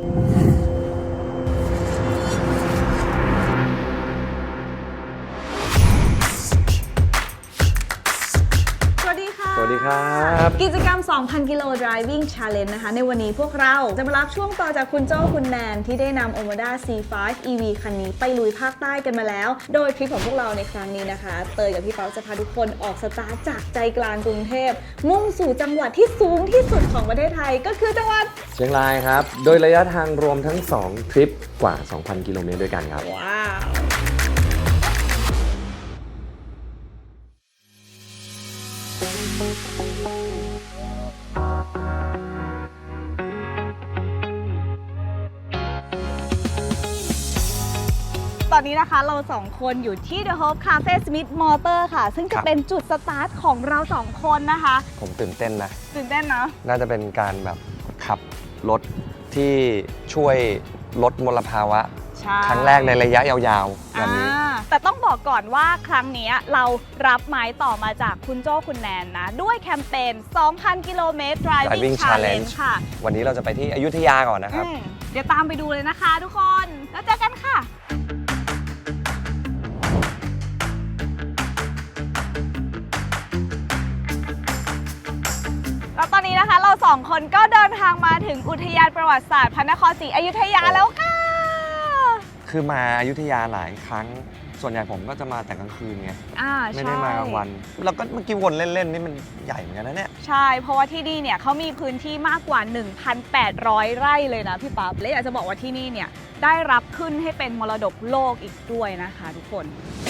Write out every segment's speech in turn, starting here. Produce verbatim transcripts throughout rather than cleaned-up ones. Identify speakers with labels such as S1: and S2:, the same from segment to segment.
S1: สวัสดีค่ะ
S2: สวัสดีครับ
S1: กิจกรรม สองพัน กิโล Driving Challenge นะคะในวันนี้พวกเราจะมารับช่วงต่อจากคุณโจ้คุณแนนที่ได้นำ Omoda ซี ไฟว์ อี วี คันนี้ไปลุยภาคใต้กันมาแล้ว โดยทริปของพวกเราในครั้งนี้นะคะเตยกับพี่เปาจะพาทุกคนออกสตาร์ทจากใจกลางกรุงเทพมุ่งสู่จังหวัดที่สูงที่สุดของประเทศไทยก็คือจังหวัด
S2: เชียงรายครับโดยระยะทางรวมทั้งสองทริปกว่า สองพัน กิโลเมตรด้วยกันครับ
S1: ว้าวตอนนี้นะคะเราสองคนอยู่ที่ The Hope Cafe Smith Motor ค่ะซึ่งจะเป็นจุดสตาร์ทของเราสองคนนะคะ
S2: ผมตื่นเต้นนะ
S1: ตื่นเต้นเนาะ
S2: น่าจะเป็นการแบบขับรถที่ช่วยลดมลภาวะครั้งแรกในระยะยาวๆแบบนี้
S1: แต่ต้องบอกก่อนว่าครั้งนี้เรารับไม้ต่อมาจากคุณโจ้คุณแนนนะด้วยแคมเปญ สองพัน กิโลเมตร Driving Challenge ค่ะ
S2: วันนี้เราจะไปที่อยุธยาก่อนนะครับ
S1: เดี๋ยวตามไปดูเลยนะคะทุกคนแล้วเจอกันค่ะแล้วตอนนี้นะคะเราสองคนก็เดินทางมาถึงอุทยานประวัติศาสตร์พระนครศรีอยุธยาแล้วค่ะ
S2: คือมาอยุธยาหลายครั้งส่วนใหญ่ผมก็จะมาแต่กลางคืนไงไม่ได้มากลางวันแล้วก็เมื่อกี้วนเล่นๆนี่มันใหญ่เหมือนกันนะเนี่ย
S1: ใช่เพราะว่าที่นี่เนี่ยเขามีพื้นที่มากกว่า หนึ่งพันแปดร้อย ไร่เลยนะพี่ปั๊บและอยากจะบอกว่าที่นี่เนี่ยได้รับขึ้นให้เป็นมรดกโลกอีกด้วยนะคะทุกคน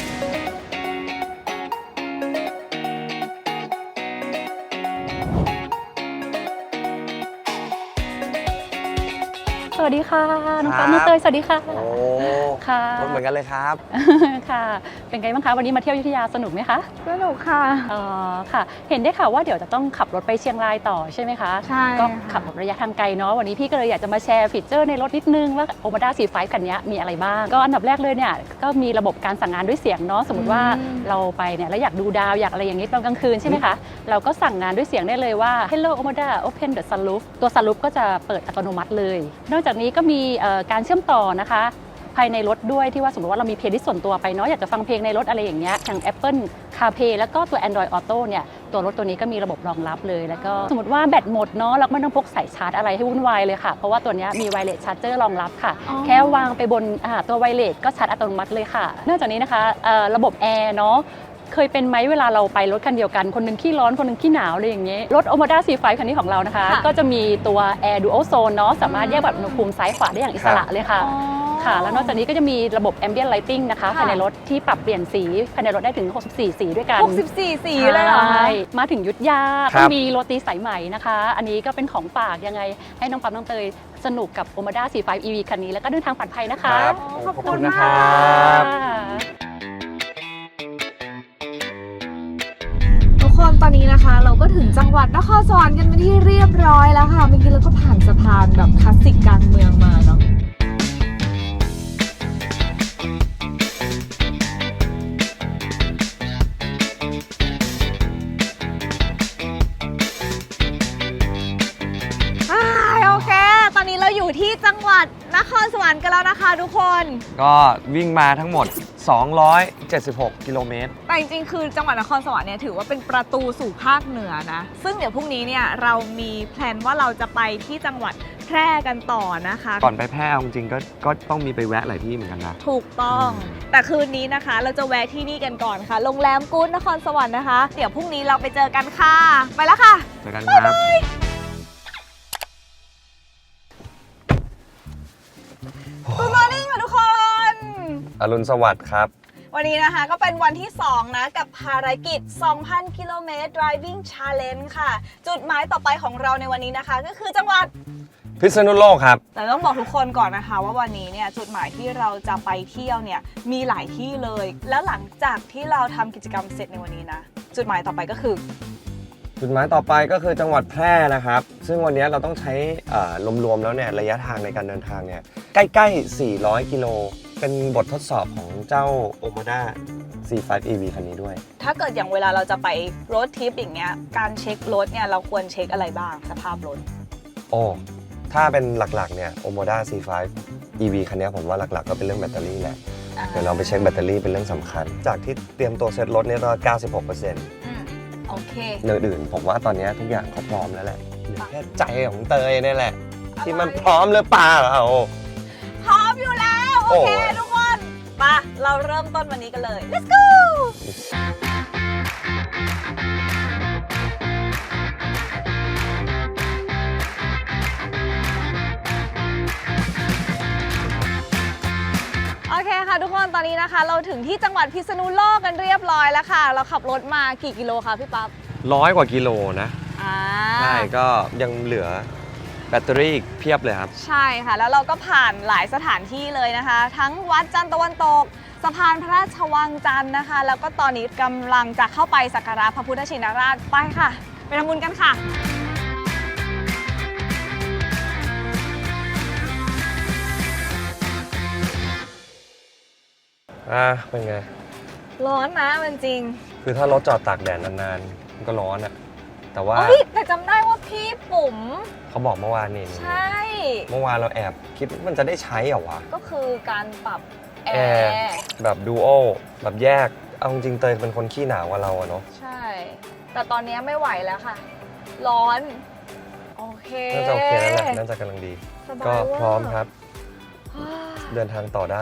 S3: สวัสดีค่ะน้องปั๊บน้องเตยสวัสดีค่ะ
S2: โอ้
S3: ค่ะ
S2: รถเหมือนกันเลยครับ
S3: ค่ะเป็นไงบ้างคะวันนี้มาเที่ยวอยุธยาสนุกไหมคะ
S1: สนุกค่ะ
S3: อ๋อค่ะเห็นได้ข่าวว่าเดี๋ยวจะต้องขับรถไปเชียงรายต่อใช่ไหมคะ
S1: ใช่
S3: ก็ขับระยะทางไกลเนาะวันนี้พี่ก็เลยอยากจะมาแชร์ฟีเจอร์ในรถนิดนึงว่า Omoda ซี ไฟว์ คันนี้มีอะไรบ้างก็อันดับแรกเลยเนี่ยก็มีระบบการสั่งงานด้วยเสียงเนาะสมมติว่าเราไปเนี่ยแล้วอยากดูดาวอยากอะไรอย่างนี้ตอนกลางคืนใช่ไหมคะเราก็สั่งงานด้วยเสียงได้เลยว่า Hello Omoda Open the sunroof ตัว sunroof ก็จะเปิดอัตโนมัติเลยนอกจากนี้ก็มีการเชื่อมต่อนะคะภายในรถด้วยที่ว่าสมมติว่าเรามีเพลย์ลิสต์ส่วนตัวไปเนาะอยากจะฟังเพลงในรถอะไรอย่างเงี้ยอย่าง Apple CarPlay แล้วก็ตัว Android Auto เนี่ยตัวรถตัวนี้ก็มีระบบรองรับเลยแล้วก็สมมติว่าแบตหมดเนาะเราไม่ต้องพกสายชาร์จอะไรให้วุ่นวายเลยค่ะเพราะว่าตัวนี้มีไวเลสชาร์จเจอร์รองรับค่ะแค่วางไปบนตัวไวเลสก็ชาร์จอัตโนมัติเลยค่ะนอกจากนี้นะคะระบบแอร์เนาะเคยเป็นไหมเวลาเราไปรถคันเดียวกันคนนึงขี้ร้อนคนนึงขี้หนาวอะไรอย่างเงี้ยรถ Omoda ซี ไฟว์ คันนี้ของเรานะคะก็จะมีตัว Air Dual Zone เนาะสามารถแยกแบบอุณหภูมิซ้ายขวาได้อย่างอิสระเลยค่ะค่ะแล้วนอกจากนี้ก็จะมีระบบ Ambient Lighting นะคะภายในรถที่ปรับเปลี่ยนสีภายในรถได้ถึงหกสิบสี่สีด้วยกัน
S1: หกสิบสี่สีเลยเหรอคะ
S3: มาถึงยุทธยาต้องมีโรตีสายไหมนะคะอันนี้ก็เป็นของฝากยังไงให้น้องปั๊มน้องเตยสนุกกับ Omoda ซี ไฟว์ อี วี คันนี้แล้วก็เดินทางปลอดภัยนะคะ
S1: ขอบคุณนะครับทุกคนตอนนี้นะคะเราก็ถึงจังหวัดนครสวรรค์กันเป็นที่เรียบร้อยแล้วค่ะเมื่อกี้เราก็ผ่านสะพานแบบคลาสสิกกลางเมืองมาเนาะโอเคตอนนี้เราอยู่ที่จังหวัดนครสวรรค์กันแล้วนะคะทุกคน
S2: ก็วิ่งมาทั้งหมดสองร้อยเจ็ดสิบหกกิโลเมตร
S1: แต่จริงๆคือจังหวัดนครสวรรค์เนี่ยถือว่าเป็นประตูสู่ภาคเหนือนะซึ่งเดี๋ยวพรุ่งนี้เนี่ยเรามีแพลนว่าเราจะไปที่จังหวัดแพร่กันต่อนะคะ
S2: ก่อนไปแพร่จริงๆก็ก็ต้องมีไปแวะหลายที่เหมือนกันนะ
S1: ถูกต้องแต่คืนนี้นะคะเราจะแวะที่นี่กันก่อนค่ะโรงแรมกู๊ดนครสวรรค์นะคะเดี๋ยวพรุ่งนี้เราไปเจอกันค่ะไปแล้วค่ะ
S2: เจอกันครับ
S1: Good morning ค่ะทุกคน
S2: อรุณสวัสดิ์ครับ
S1: วันนี้นะคะก็เป็นวันที่สองนะกับภารกิจ สองพัน กิโลเมตร Driving Challenge ค่ะจุดหมายต่อไปของเราในวันนี้นะคะก็คือจังหวัด
S2: พิษณุโลกครับ
S1: แต่ต้องบอกทุกคนก่อนนะคะว่าวันนี้เนี่ยจุดหมายที่เราจะไปเที่ยวเนี่ยมีหลายที่เลยแล้วหลังจากที่เราทำกิจกรรมเสร็จในวันนี้นะจุดหมายต่อไปก็คือ
S2: จุดหมายต่อไปก็คือจังหวัดแพร่นะครับซึ่งวันนี้เราต้องใช้รวมๆแล้วเนี่ยระยะทางในการเดินทางเนี่ยใกล้ๆสี่ร้อยกิโลเป็นบททดสอบของเจ้า Omoda ซี ไฟว์ อี วี คันนี้ด้วย
S1: ถ้าเกิดอย่างเวลาเราจะไปรถทริปอย่างเงี้ยการเช็ครถเนี่ยเราควรเช็คอะไรบ้างสภาพรถ
S2: โอ้ถ้าเป็นหลักๆเนี่ย Omoda ซี ไฟว์ อี วี คันนี้ผมว่าหลักๆก็เป็นเรื่องแบตเตอรี่แหละเดี๋ยวเราไปเช็คแบตเตอรี่เป็นเรื่องสำคัญ จากที่เตรียมตัวเซ็ตรถเนี่ยก็ เก้าสิบหกเปอร์เซ็นต์
S1: อืมโอเค
S2: เรื่องอื่นผมว่าตอนนี้ทุกอย่างเขาพร้อมแล้วแหละเหลือแค่ใจของเตยนี่แหละ ที่มันพร้อมหรือเปล่า
S1: พร้อมอยู่แล้ว โอเค
S2: โอ้ย
S1: ทุกคนไปเราเริ่มต้นวันนี้กันเลย let's go โอเคค่ะทุกคนตอนนี้นะคะ เราถึงที่จังหวัดพิษณุโลกกันเรียบร้อยแล้วค่ะ เราขับรถมากี่กิโลคะพี่ปั๊บ
S2: ร้อยกว่ากิโลนะ
S1: อ่า
S2: ใช่ก็ยังเหลือแบตเตอรี่อีกเพียบเลยครับ
S1: ใช่ค่ะ แล้วเราก็ผ่านหลายสถานที่เลยนะคะ ทั้งวัดจันทร์ตะวันตกสะพานพระราชวังจันทร์นะคะ แล้วก็ตอนนี้กำลังจะเข้าไปสักการะพระพุทธชินราชไปค่ะ ไปทำบุญกันค่ะ
S2: อ่ะเป็นไง
S1: ร้อนนะมันจริง
S2: คือถ้ารถจอดตากแดดนานๆมันก็ร้อนอะแต่ว่า
S1: เฮ้ยแต่จำได้ว่าพี่ปุ๋ม
S2: เขาบอกเมื่อวานนี่
S1: ใช่
S2: เมื่อวานเราแอบคิดว่ามันจะได้ใช้เหรอวะ
S1: ก็คือการปรับแอ
S2: แอร์
S1: ร์
S2: แบบดูโอแบบแยก เอาจริงๆเตยเป็นคนขี้หนาวกว่าเราอะเนาะ
S1: ใช่ แต่ตอนนี้ไม่ไหวแล้วค่ะ ร้อน โอเค
S2: น่าจะโอเคแล้วแหละน่าจะกำลังดี
S1: สบาย
S2: ก็
S1: ว่า
S2: พร้อมครับ เดินทางต่อได้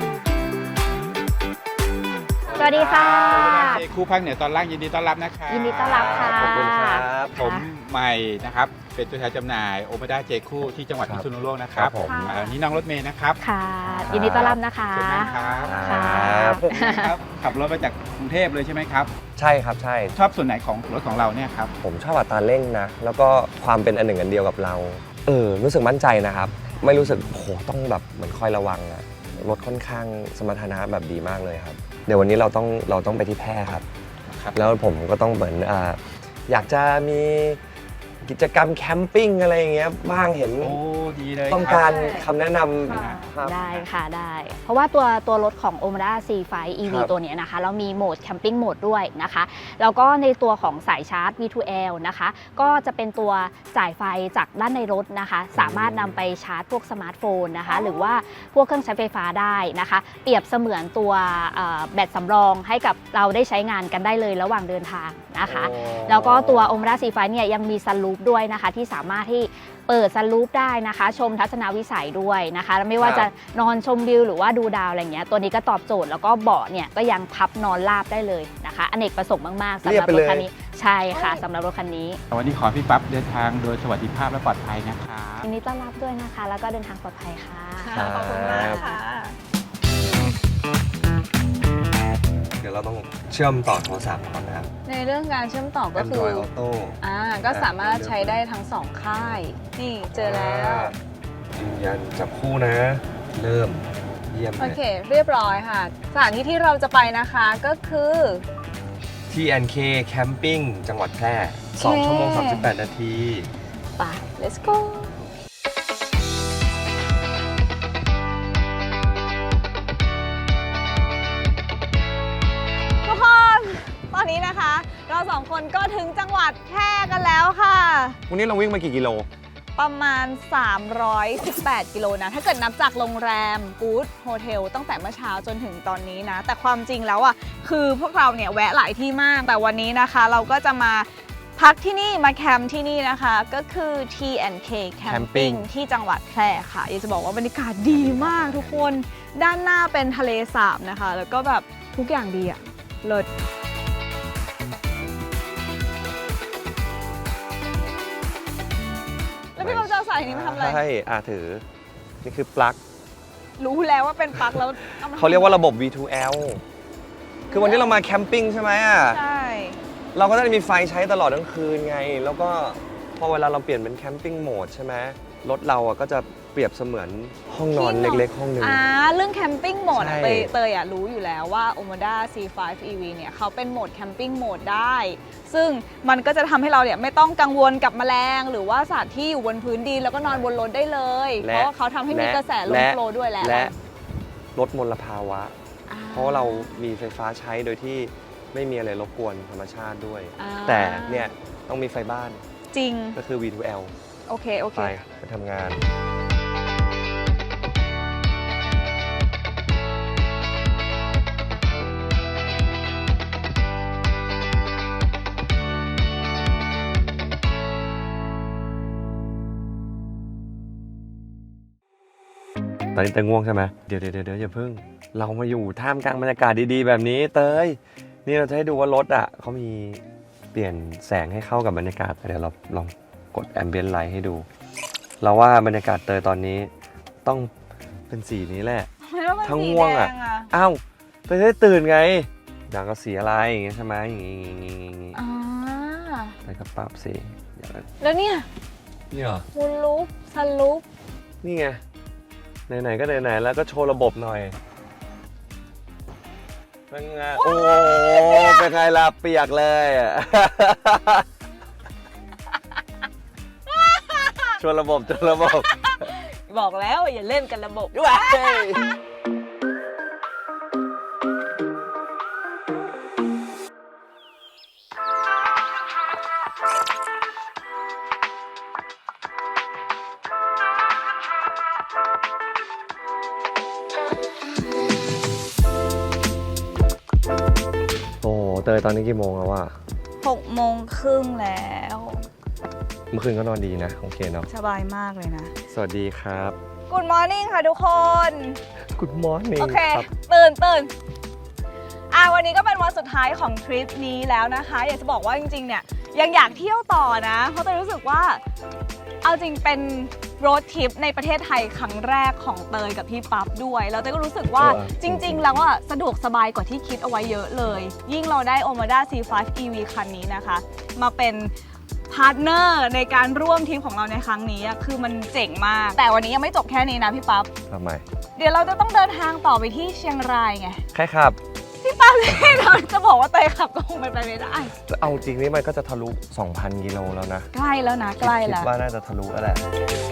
S3: สวัสดีค่ะ
S4: เจคู่ภาคเหนือตอนล่างยินดีต้อนรับนะคะ
S3: ยินดีต้อนรับค่ะ
S2: ขอบคุณครับ
S4: ผมใหม่นะครับ เป็นตัวแทนจำหน่ายโอเมด้าเจคู่ที่จังหวัด
S2: ครั
S4: พิ
S2: บ
S4: ษณุโลกนะค
S2: ครั
S4: รับบ
S2: ผม
S4: อ่านี่น้องรถเมย์นะครับ
S3: ค่ะ ยินดีต้อนรับนะคะ
S4: เชิญนั่งครับ
S3: ค่ะ
S4: ครับ ขับรถมาจากกรุงเทพเลยใช่ไหมครับ
S2: ใช่ครับใช่
S4: ชอบส่วนไหนของรถของเราเนี่ยครับ
S2: ผมชอบอัตราเร่งนะ แล้วก็ความเป็นอันหนึ่งอันเดียวกับเรา เออ รู้สึกมั่นใจนะครับ ไม่รู้สึกโอ้โหต้องแบบเหมือนคอยระวังอะรถค่อนข้างสมรรถนะแบบดีมากเลยครับ เดี๋ยววันนี้เราต้องเราต้องไปที่แพร่ครับ
S4: ครับ
S2: แล้วผมก็ต้องเหมือนอ่าอยากจะมีกิจกรรมแคมปิ้งอะไรอย่างเงี้ยบ้างเห็น
S4: โอ้ดีเลย
S2: ต้อง
S4: คบ
S2: การคำแนะน
S1: ค่ะ
S2: ำครับ
S3: ได้ค่ะได้ เพราะว่าตัวตัวรถของ Omoda ซี ไฟว์ อี วี
S2: ครับ
S3: ตัวเนี้ยนะคะ เรามีโหมดแคมปิ้งโหมดด้วยนะคะ แล้วก็ในตัวของสายชาร์จ วี ทู แอล นะคะ ก็จะเป็นตัวจ่ายไฟจากด้านในรถนะคะ สามารถนำไปชาร์จพวกสมาร์ทโฟนนะคะ หรือว่าพวกเครื่องใช้ไฟฟ้าได้นะคะ เปรียบเสมือนตัวเอ่อแบตสำรองให้กับเราได้ใช้งานกันได้เลยระหว่างเดินทางนะคะ
S2: โอ้
S3: แล้วก็ตัว Omoda ซี ไฟว์ เนี่ยยังมีซันรูฟด้วยนะคะที่สามารถที่เปิดซันรูฟได้นะคะ ชมทัศนวิสัยด้วยนะคะแล้วไม่ว่า
S2: ครับ
S3: จะนอนชมวิวหรือว่าดูดาวอะไรเงี้ยตัวนี้ก็ตอบโจทย์แล้วก็เบาะเนี่ยก็ยังพับนอนราบได้เลยนะคะอเนกประสงค์มากๆสำหรับรถคันนี้ใช่ค่ะสำหรับรถคันนี้
S4: วันนี้ขอพี่ปั๊บเดินทางโดยสวัสดิภาพและปลอดภัยนะครับ
S3: ยินดีต้อนรับด้วยนะคะ แล้วก็เดินทางปลอดภัยค่ะ
S1: ค่ะขอบคุณมากค่ะ
S2: เดี๋ยวเราต้องเชื่อมต่อโทรศัพท์ก่อนนะครับ
S1: ในเรื่องการเชื่อมต่อก็คือ
S2: Android Auto
S1: อ่าก็สามารถใช้ได้ทั้งสองค่าย นี่เจอแล้ว
S2: ยืนยันจับคู่นะ เริ่มเยี่ยม
S1: โอ
S2: เลย
S1: เค เรียบร้อยค่ะ สถานที่ที่เราจะไปนะคะก็คือ
S2: ที แอนด์ เค Camping จังหวัดแพร่สองชั่วโมงสามสิบแปดนาที
S1: ไป let's go ทุกคน ตอนนี้นะคะ เราสองคนก็ถึงจังหวัดแพร่กันแล้วค่ะ
S2: วันนี้เราวิ่งมากี่กิโล
S1: ประมาณ สามร้อยสิบแปด กิโลนะ ถ้าเกิดนับจากโรงแรมกู๊ดโฮเทลตั้งแต่เมื่อเช้าจนถึงตอนนี้นะ แต่ความจริงแล้วอ่ะ คือพวกเราเนี่ยแวะหลายที่มาก แต่วันนี้นะคะเราก็จะมาพักที่นี่มาแคมป์ที่นี่นะคะ ก็คือ ที แอนด์ เค
S2: Camping
S1: Camping ที่จังหวัดแพร่ค่ะ อยากจะบอกว่าบรรยากาศดีมากทุกคน ด้านหน้าเป็นทะเลสาบนะคะ แล้วก็แบบทุกอย่างดีอะเลิศ แล้วพี่กำลังจะเอาสายนี้มาทำอะไร
S2: ใช่อ่าถือ นี่คือปลั๊ก
S1: รู้แล้วว่าเป็นปลั๊กแล้วอมทำ
S2: เขาเรียกว่าระบบ วี ทู แอล คือวันนี้เรามาแคมปิ้งใช่ไหมอ่ะ
S1: ใช่
S2: เราก็จะมีไฟใช้ตลอดทั้งคืนไง แล้วก็พอเวลาเราเปลี่ยนเป็นแคมปิ้งโหมดใช่ไหมรถเราอ่ะก็จะเปรียบเสมือนห้องนอนเล็กๆ ห้องหนึ่ง
S1: อ่าเรื่องแคมปิ้งโหมดอะ
S2: ใช่
S1: เตยเตยอะรู้อยู่แล้วว่า Omoda ซี ไฟว์ อี วี เนี่ยเขาเป็นโหมดแคมปิ้งโหมดได้ ซึ่งมันก็จะทำให้เราเนี่ยไม่ต้องกังวลกับแมลง หรือว่าสัตว์ที่อยู่บนพื้นดินแล้วก็นอนบนรถได้เลย เพ
S2: และ
S1: ราะว่าเขาทำให้มีกระแสลม
S2: และ
S1: โฟลว์ด้วยแหละ
S2: และลดมลภาวะ
S1: อ่
S2: เพราะเรามีไฟฟ้าใช้โดยที่ไม่มีอะไรรบกวนธรรมชาติด้วย
S1: อ่า
S2: แต่เนี่ยต้องมีไฟบ้าน
S1: จริง
S2: ก็คือ วี ทู แอล
S1: โอเค โอเค
S2: ไปไปทำงานตอนนี้เตยง่วงใช่ไหมเดี๋ยวเดี๋ยวเดี๋ยวอย่าเพิ่งเรามาอยู่ท่ามกลางบรรยากาศดีๆแบบนี้เตยนี่เราจะให้ดูว่ารถอ่ะเขามีเปลี่ยนแสงให้เข้ากับบรรยากาศเดี๋ยวเราลองกดแอมเบียนไลท์ให้ดูเราว่าบรรยากาศเตยตอนนี้ต้องเป็นสีนี้แหละ
S1: ไม่ต้องเป็น
S2: ทั้ง
S1: สี
S2: ง่วง
S1: แด
S2: อ่ะ
S1: งอ่ะ
S2: อ้าวเตยได้ตื่นไงอยากก็สีอะไรอย่างเงี้ยใช่ไหมอย่างงี้อย่างงี้อย่างงี้
S1: อ่า
S2: เตยก็ปรับสีเดี๋ยว
S1: แล้วเนี่ย
S2: นี่เหรอ
S1: มูนลูปซันลูป
S2: นี่ไงไหนๆก็ไหนๆแล้วก็โชว์ระบบหน่อยเป็นไงโอ้เป็นไงล่ะเปียกเลยอะ โชว์ระบบโชว์ระบบ
S1: บอกแล้วอย่าเล่นกันระบบด้วย
S2: โอ้เตยตอนนี้กี่โมงแล้ววะ
S1: หกโมงครึ่งแล้ว
S2: เมื่อคืนก็นอนดีนะโอเคเนาะ
S1: สบายมากเลยนะ
S2: สวัสดีครับ
S1: Good morning ค่ะทุกคน
S2: Good morning
S1: โอเค
S2: ครับ
S1: ตื่นตื่นอ่ะวันนี้ก็เป็นวันสุดท้ายของทริปนี้แล้วนะคะ อยากจะบอกว่าจริงๆ เนี่ยยังอยากเที่ยวต่อนะ เพราะเตยรู้สึกว่า เอาจริงเป็นโรดทริปในประเทศไทยครั้งแรกของเตยกับพี่ปั๊บด้วย แล้วเตยก็รู้สึกว่า
S2: เออ
S1: จริง ๆ แล้วอ่ะสะดวกสบายกว่าที่คิดเอาไว้เยอะเลย ยิ่งเราได้ Omoda ซี ไฟว์ อี วี คันนี้นะคะ มาเป็นพาร์ทเนอร์ในการร่วมทริปของเราในครั้งนี้อะคือมันเจ๋งมาก แต่วันนี้ยังไม่จบแค่นี้นะพี่ปั๊บ
S2: ทำไม
S1: เดี๋ยวเราจะต้องเดินทางต่อไปที่เชียงรายไง
S2: ใครครับ
S1: พี่ปั๊บเลยเราจะบอกว่าเตยขับก็คงเป็นไปไม่ได้
S2: เอาจริงนี่มันก็จะทะลุ สองพัน กิโลแล้วนะ
S1: ใกล้แล้วนะใกล้
S2: คิด
S1: แล้ว
S2: ว่าน่าจะทะลุแล้วแหละ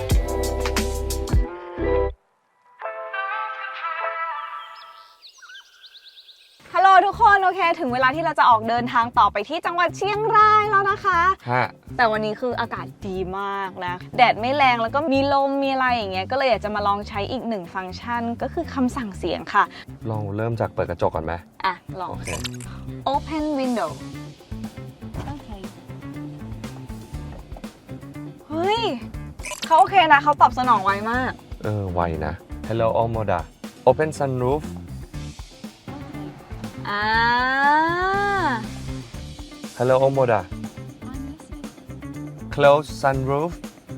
S1: ฮัลโหลทุกคนโอเค ถึงเวลาที่เราจะออกเดินทางต่อไปที่จังหวัดเชียงรายแล้วนะคะ
S2: ฮะ
S1: แต่วันนี้คืออากาศดีมากนะ แดดไม่แรงแล้วก็มีลมมีอะไรอย่างเงี้ย ก็เลยอยากจะมาลองใช้อีกหนึ่งฟังก์ชันก็คือคำสั่งเสียงค่ะ
S2: ลองเริ่มจากเปิดกระจกก่อนไหม
S1: อ่ะ ลอง
S2: โอเค
S1: Open window โอเค เฮ้ยเขาโอเคนะเขาตอบสนองไวมาก
S2: เออ ไวนะ Hello Omoda Open sunroof
S1: อ่า
S2: Hello Omoda Close sunroof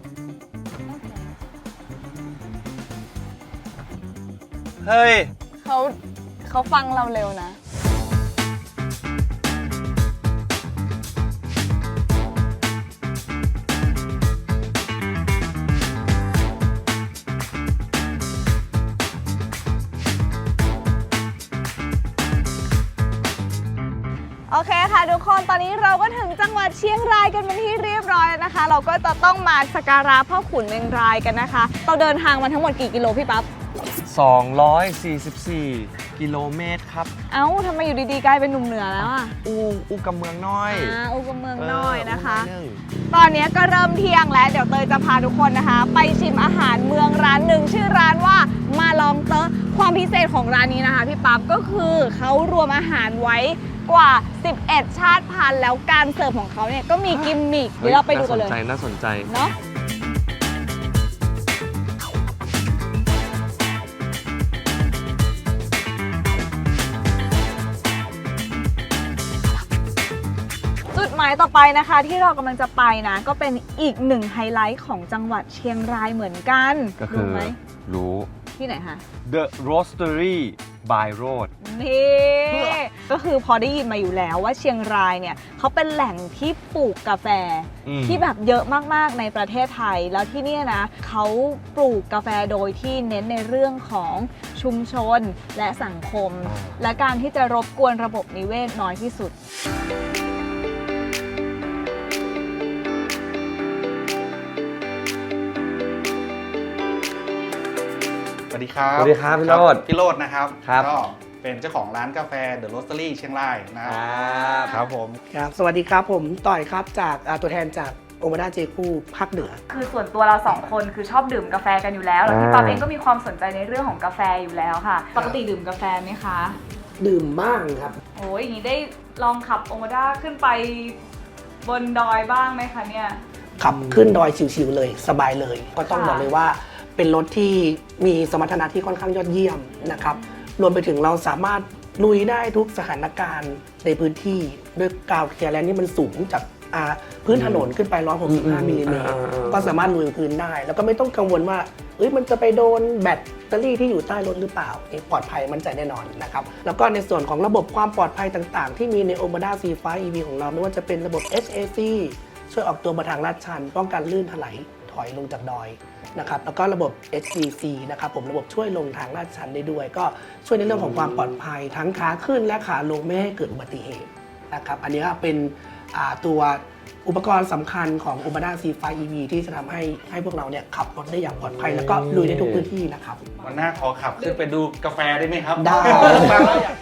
S2: เฮ้ย
S1: เขาเขาฟังเราเร็วนะ โอเคค่ะทุกคนตอนนี้เราก็ถึงจังหวัดเชียงรายกันเป็นที่เรียบร้อยแล้วนะคะ เราก็จะต้องมาสักการะพ่อขุนเมงรายกันนะคะ เราเดินทางมาทั้งหมดกี่กิโลพี่ปั๊บ
S2: สองร้อยสี่สิบสี่ กิโลเมตรครับ
S1: เอ้าทำไมอยู่ดีๆกลายเป็นหนุ่มเหนือแล้วอ่ะ
S2: อูอูกำเมืองน้อย
S1: อ่าอุกเมืองน้อยนะคะ
S2: เอออูน้อยหนึ่ง
S1: ตอนนี้ก็เริ่มเที่ยงแล้วเดี๋ยวเตยจะพาทุกคนนะคะ ไปชิมอาหารเมืองร้านหนึ่งชื่อร้านว่ามาลองเตอความพิเศษของร้านนี้นะคะพี่ปั๊บก็คือเขารวมอาหารไว้กว่าสิบเอ็ดชาติพันธุ์แล้วการเสิร์ฟของเขาเนี่ยก็มีกิมมิคเดี๋ยวเราไปดูกันเลย
S2: น่าสนใจน่าสนใจ
S1: เนาะจุดหมายต่อไปนะคะที่เรากำลังจะไปนะก็เป็นอีกหนึ่งไฮไลท์ของจังหวัดเชียงรายเหมือนกัน
S2: ก็คือ
S1: รู้ไหม
S2: รู้
S1: ที่ไหนคะ
S2: The Roastery by Road
S1: นี่ก็คือพอได้ยินมาอยู่แล้วว่าเชียงรายเนี่ยเขาเป็นแหล่งที่ปลูกกาแฟ
S2: อืม
S1: ที่แบบเยอะมากๆในประเทศไทย แล้วที่เนี่ยนะเขาปลูกกาแฟโดยที่เน้นในเรื่องของชุมชนและสังคม
S2: อ่า
S1: และการที่จะรบกวนระบบนิเวศน้อยที่สุด
S4: สวัสดีครับ
S2: สวัสดีครับพี่โรจน์
S4: พี่โรจน์นะครับ
S2: ครับ
S4: ก็เป็นเจ้าของร้านกาแฟ The Roastery เชียงรายนะครับ
S2: ครับ
S4: ครับผม
S5: ครับสวัสดีครับผมต่อยครับจากอ่าตัวแทนจากโอมาด้าเจคูภาคเหนือ
S6: คือส่วนตัวเราสองคนคือชอบดื่มกาแฟกันอยู่แล้วแล้วพี่
S2: อ่า
S6: ป๊อปเองก็มีความสนใจในเรื่องของกาแฟอยู่แล้วค่ะ ปกติดื่มกาแฟไหมคะ
S5: ดื่มบ้างครับ
S6: โอ้ยอย่างนี้ได้ลองขับโอมาด้าขึ้นไปบนดอยบ้างไหมคะเนี่ย
S5: ขับขึ้นดอยชิวๆเลยสบายเลย ก็ต้อง
S6: ค่ะ
S5: บอกเลยว่าเป็นรถที่มีสมรรถนะที่ค่อนข้างยอดเยี่ยมนะครับรวมไปถึงเราสามารถลุยได้ทุกสถานการณ์ในพื้นที่ด้วยกาวเคลียร์แลนด์นี่มันสูงจากอ่าพื้นถนนขึ้นไปหนึ่งร้อยหกสิบห้ามิลลิเมตรก็สามารถลุยพื้นได้ แล้วก็ไม่ต้องกังวลว่าเอ้ยมันจะไปโดนแบตเตอรี่ที่อยู่ใต้รถหรือเปล่าเองปลอดภัยมั่นใจแน่นอนนะครับแล้วก็ในส่วนของระบบความปลอดภัยต่างๆ ที่มีใน Omoda ซี ไฟว์ อี วี ของเราไม่ว่าจะเป็นระบบ เอช เอ ซี ช่วยออกตัวมาทางลาดชันป้องกันลื่นถลายถอยลงจากดอยนะครับแล้วก็ระบบ เอช ดี ซี นะครับผมระบบช่วยลงทางลาดชันได้ด้วย ก็ช่วยในเรื่องของความปลอดภัยทั้งขาขึ้นและขาลงไม่ให้เกิดอุบัติเหตุนะครับอันนี้ก็เป็นอ่าตัวอุปกรณ์สำคัญของ Omoda ซี ไฟว์ อี วี ที่จะทำให้ให้พวกเราเนี่ยขับรถได้อย่างปลอดภัยแล้วก็ลุยได้ทุกพื้นที่นะครับ
S7: วันหน้าขอขับขึ้นไปดูกาแฟได้ไหมครับ
S5: ได้
S7: ฟังแล้วอยาก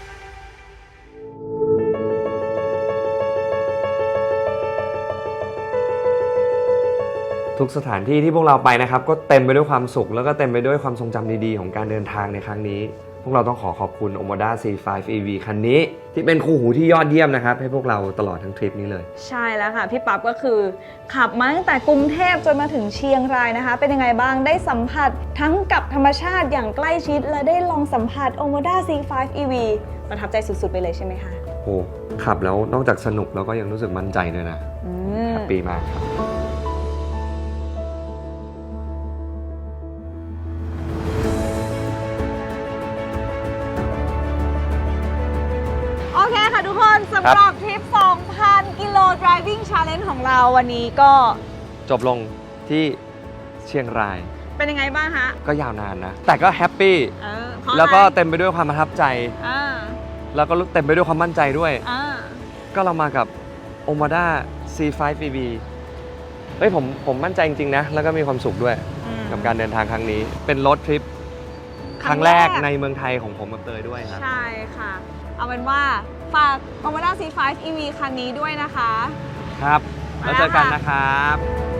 S2: ทุกสถานที่ที่พวกเราไปนะครับก็เต็มไปด้วยความสุขแล้วก็เต็มไปด้วยความทรงจำดีๆของการเดินทางในครั้งนี้ พวกเราต้องขอขอบคุณ Omoda ซี ไฟว์ อี วี คันนี้ที่เป็นคู่หูที่ยอดเยี่ยมนะครับให้พวกเราตลอดทั้งทริปนี้เลย
S1: ใช่แล้วค่ะ พี่ปั๊บก็คือขับมาตั้งแต่กรุงเทพจนมาถึงเชียงรายนะคะ เป็นยังไงบ้างได้สัมผัสทั้งกับธรรมชาติอย่างใกล้ชิด และได้ลองสัมผัส Omoda ซี ไฟว์ อี วี ประทับใจสุดๆไปเลยใช่ไหมคะ
S2: โอ้ขับแล้วนอกจากสนุกแล้วก็ยังรู้สึกมั่นใจด้วยนะ
S1: อืม
S2: แฮปปี้มากครับ
S1: โอเคค่ะทุกคนสำหรับทริป สองพัน กิโล driving challenge ของเราวันนี้ก็
S2: จบลงที่เชียงราย
S1: เป็นยังไงบ้างคะ
S2: ก็ยาวนานนะ แต่ก็แฮปปี้
S1: เออเพราะอะไร
S2: แล้วก็เต็มไปด้วยความประทับใจ
S1: อ่า
S2: แล้วก็เต็มไปด้วยความมั่นใจด้วย
S1: อ่า
S2: ก็เรามากับ Omoda ซี ไฟว์ อี วี เฮ้ยผมผมมั่นใจจริงๆนะ แล้วก็มีความสุขด้วย
S1: อืม
S2: กับการเดินทางครั้งนี้ เป็นรถทริป
S1: ค
S2: ค
S1: รั้
S2: รั้
S1: ง
S2: ง
S1: แร
S2: แร
S1: ก
S2: กในเมืองไทยของผมกับเตยด้วยครับ
S1: ใช่ค่ะ เอาเป็นว่าฝาก Omoda ซี ไฟว์ อี วี คันนี้ด้วยนะคะ
S2: ครับ แล้วเจอกันนะครับ